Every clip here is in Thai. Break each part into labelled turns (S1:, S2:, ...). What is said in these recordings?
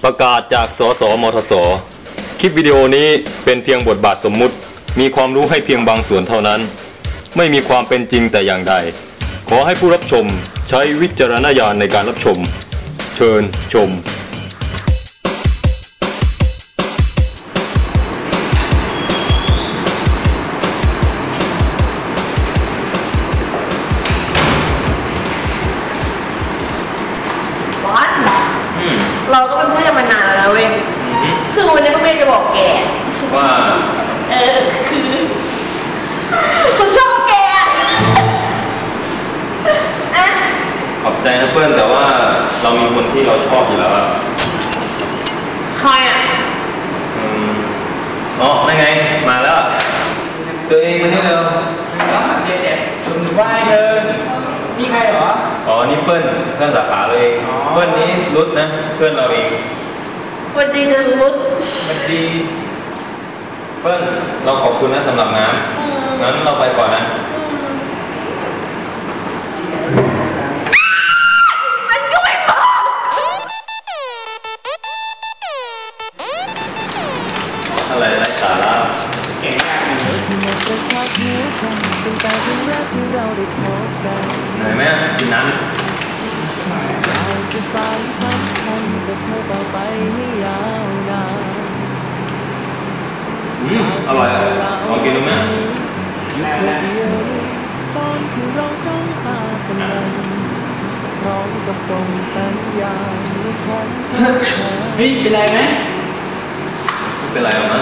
S1: ประกาศจากสสมทสคลิปวิดีโอนี้เป็นเพียงบทบาทสมมุติมีความรู้ให้เพียงบางส่วนเท่านั้นไม่มีความเป็นจริงแต่อย่างใดขอให้ผู้รับชมใช้วิจารณญาณในการรับชมเชิญชม
S2: เราก็เป็นเพื่อนกันมานานแล้วนะเว้ยคือวันนี้พ่อแม่จะบอกแก
S1: ว่า
S2: คือเขาชอบแกอะ
S1: ขอบใจนะเพื่อนแต่ว่าเรามีคนที่เราชอบอยู่แล้วอะ
S2: ใครอ่ะ
S1: อ๋อนั่นไงมาแล้วตัวเองมานี่เร็ว
S3: คุณว่าเธอนี่ใครเหรอ
S1: อ๋อนี่เพื่อนสาขาเราเองเพื่อนนี้รุดนะเพื่อนเราเอง
S2: สวัสดีจังรุด
S1: สวัสดีเพื่อนเราขอบคุณนะสำหรับน้ำงั้นเราไปก่อนนะ
S2: มันก็ไม่บอก
S1: อะไรไร้สาระ
S3: เก่งมาก
S1: เหนื่อยไหมกินน้ำอร่อยอ่ะลองกินดูไหม
S4: ตอนที่เราจ้องตาเป็นมันพร้อมกับส่งสัญญาณว่าฉันชอบเธอ
S3: เฮ้ยเป็นไรไหม
S1: เป็นไรหรอมั้ง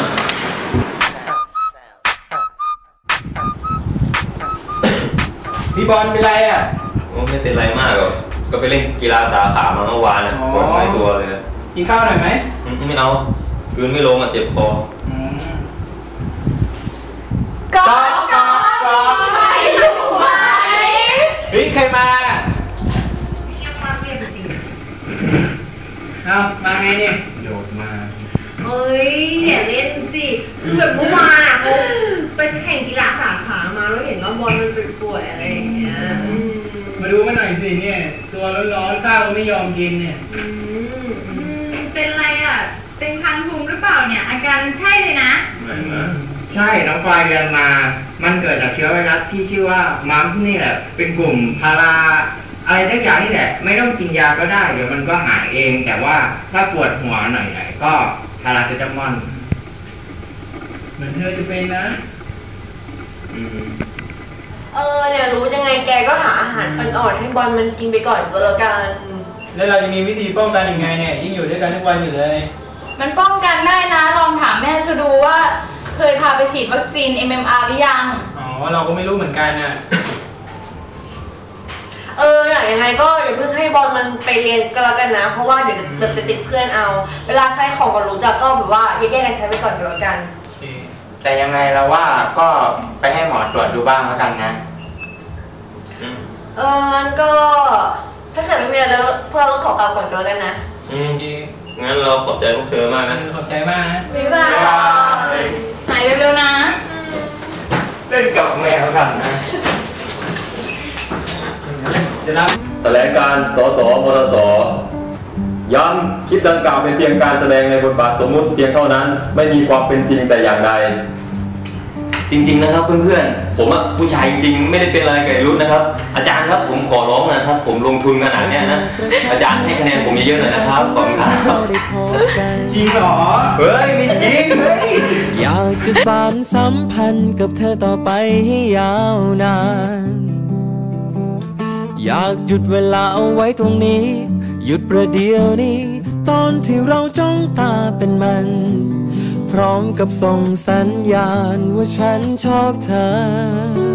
S3: พี่บอลเป็นไรอ่ะ
S1: ไม่เป็นไรมากหรอกก็ไปเล่นกีฬาสาขามาเมื่อวานนะปวดหลายตัวเลย
S3: กินข้าวหน่อยไหม
S1: ไม่เอาคืนไม่ลงอ่ะเจ็บคอ
S2: ก็ไม่รู้ไหม
S3: เฮ้ยใครมาเอามาไงเนี่ยโดดมา
S2: เฮ้ยอย่าเล่นสิแบบเมื่อวานอ่ะเขาไปแข่งกีฬาสาขามาแล้วเห็นว่าบอลมันป่วยอะไรอย่างเงี้ย
S3: มาดูมาหน่อยสิเนี่ยตัวร้อนๆข้าวไม่ยอมกินเนี่ย
S5: เป็นไรอ่ะเป็นคันภูมิหรือเปล่าเนี่ยอาการใช่เลยนะ
S3: ใช่น้องปลายเรียนมามันเกิดจากเชื้อไวรัสที่ชื่อว่ามัมนี่แหละเป็นกลุ่มพาราอะไรทุกอย่างนี่แหละไม่ต้องกินยาก็ได้เดี๋ยวมันก็หายเองแต่ว่าถ้าปวดหัวหน่อยๆก็พาราเซตามอลเหมือนเธอจะเป็นนะ
S2: เนี่ยรู้ยังไงแกก็หาอาหารอ่อนๆให้บอลมันกินไปก่อนก็แล้วกัน
S3: แล้วเราจะมีวิธีป้องกันยังไงเนี่ยยิ่งอยู่ด้วยกันทุกวันอยู่เลย
S5: มันป้องกันได้นะลองถามแม่เธอดูว่าเคยพาไปฉีดวัคซีน MMR หรือยัง
S3: อ๋อเราก็ไม่รู้เหมือนกันน่ะ
S2: ยังไงก็อย่าเพิ่งให้บอลมันไปเรียนก็แล้วกันนะเพราะว่าเดี๋ยวจะติดเพื่อนเอาเวลาใช้ของก็รู้จักก็แบบว่าแยกกันใช้ไปก่อนก็แล้วกัน
S3: แต่ยังไงเราว่าก็ไปให้หมอตรวจดูบ้างแล้วกันนะ
S2: งั้นก็ถ้าเกิดไม่มีอะไรแล้วพวกเราก็ขอกลับก่อนก็แล้วกันนะ
S1: งั้นเราขอบใจพวกเธอมากนะ
S3: ขอบใจมากนะ
S2: บ๊ายบาย
S5: หายเร็วๆนะ
S3: เล่นกับแมวกันนะ
S1: แถลงการสสมทสย้ำคลิปดังกล่าวเป็นเพียงการแสดงในบทบาทสมมุติเพียงเท่านั้นไม่มีความเป็นจริงแต่อย่างใดจริงๆนะครับเพื่อนๆผมอะผู้ชายจริงๆไม่ได้เป็นอะไรกับรุ่นนะครับอาจารย์ครับผมขอร้องนะครับผมลงทุนขนาดนี้นะอาจารย์ให้คะแนนผมเยอะๆหน่อยนะครับขอบคุณครับ
S3: จริงเหรอ
S1: เฮ้ยไม่จริงเฮ้ย
S4: อยากจะสานสัมพันธ์กับเธอต่อไปให้ยาวนานอยากหยุดเวลาเอาไว้ตรงนี้หยุดประเดี๋ยวนี้ตอนที่เราจ้องตาเป็นมันพร้อมกับส่งสัญญาณว่าฉันชอบเธอ